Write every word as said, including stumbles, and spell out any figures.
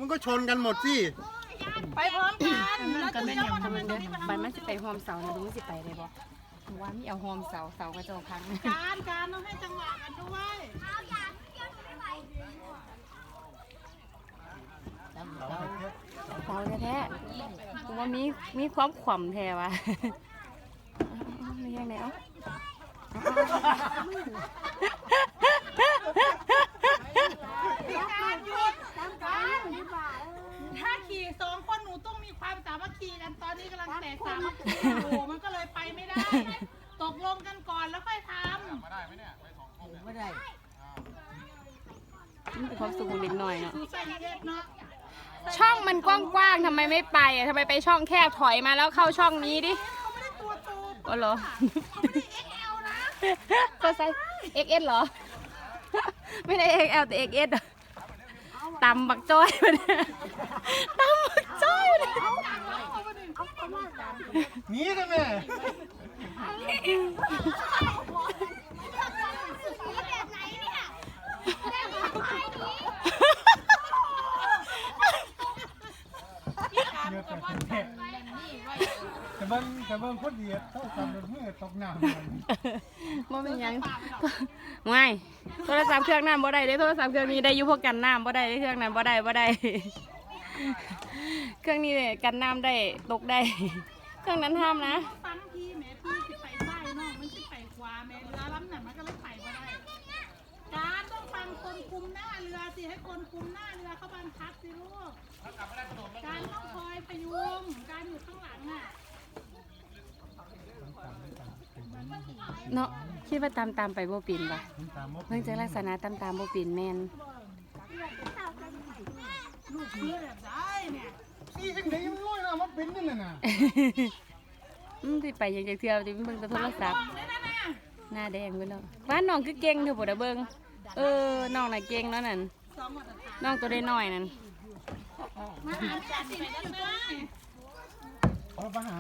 มันก็ชนกันหมดสิไปพร้อมกันแล้วก็จะแม่นเลี้ยวยังมาทำไมเบิ่งตรเด้งอนี้มาทำบันไมมันสิไปโฮมเสานะลุงสิไปได้บ่ว่ามีเอาโฮมเสาเสากระโจกพังการการต้องให้จังหวะกันด้วยเสาแท้ๆกูว่ามีมีความขว่ำแท้ว่ะมียังไงเอ้าการหยุดการถ้าขี่สองคนหนูต้องมีความสามัคคีกันตอนนี้กำลังแตกสามัคคีอยู่มันก็เลยไปไม่ได้ ตกลงกันก่อนแล้วค่อยทำมาได้ไหมเนี่ยไปสองคนไม่ได้มันเป็นความสุขของเด็กหน่อยเนาะดูใส่เย็ดเนาะช่องมันกว้างๆทำไมไม่ไปอ่ะทำไมไปช่องแคบถอยมาแล้วเข้าช่องนี้ดิเขาไม่ได้ตัวโตอ๋อเหรอเขาไม่ได้ เอ็กซ์ แอล นะก็ใส่ เอ็กซ์ เอส เหรอ ไม่ได้ เอ็กซ์ แอล แต่ เอ็กซ์ เอส ตำบักจ้อยมาเนี่ยตำบักจ้อยมาเนี่ยหนีกันแม่การมันก็ว่ากันไว้นี่ไว้แต่เบิ้งแต่เบิ้งคนเดียวต้องทำรถมือตกน้ำบ่เป็นหยังไม่โทรศัพท์เครื่องนั้นบ่ได้เด้โทรศัพท์เครื่องนี้ได้อยู่พวกกันน้ำบ่ได้เด้เครื่องนั้นบ่ได้บ่ได้ เครื่องนี้เนี่ยกันน้ำได้ตกได้ เครื่องนั้นห้ามนะฟังพี่แม่พี่สิไปใต้เนาะมันสิไปขวาแม่เรือลำนั้นมันก็เลยไปบ่ได้การต้องฟังคนคุมหน้าเรือสิให้คนคุมหน้าเรือเขาบังคับสิลูกการต้องคอยพยุงการอยู่ข้างหลังอ่ะเนาะคิดว่าตามตามไปบ่ปินปะเพิ่งจะลักษณะตามตามบ่ปินแมนลูกเรือแบบได้เนี่ยขี่จังไหนมันลอยน้ำมันเป็นนี่น่ะอืมสิไปอยังจะเที่ยวจะเบิ่งแต่โทรศัพท์ได้นะนะหน้าแดงไปแล้วว่าน้องคือเก่งเถอะบ่ได้เบิ่งเออน้องน่ะเก่งเนาะนั่นสองมาตรฐานน้องตัวได้น้อยนั่นมาหาจัดไปแล้วนะเอาประหาร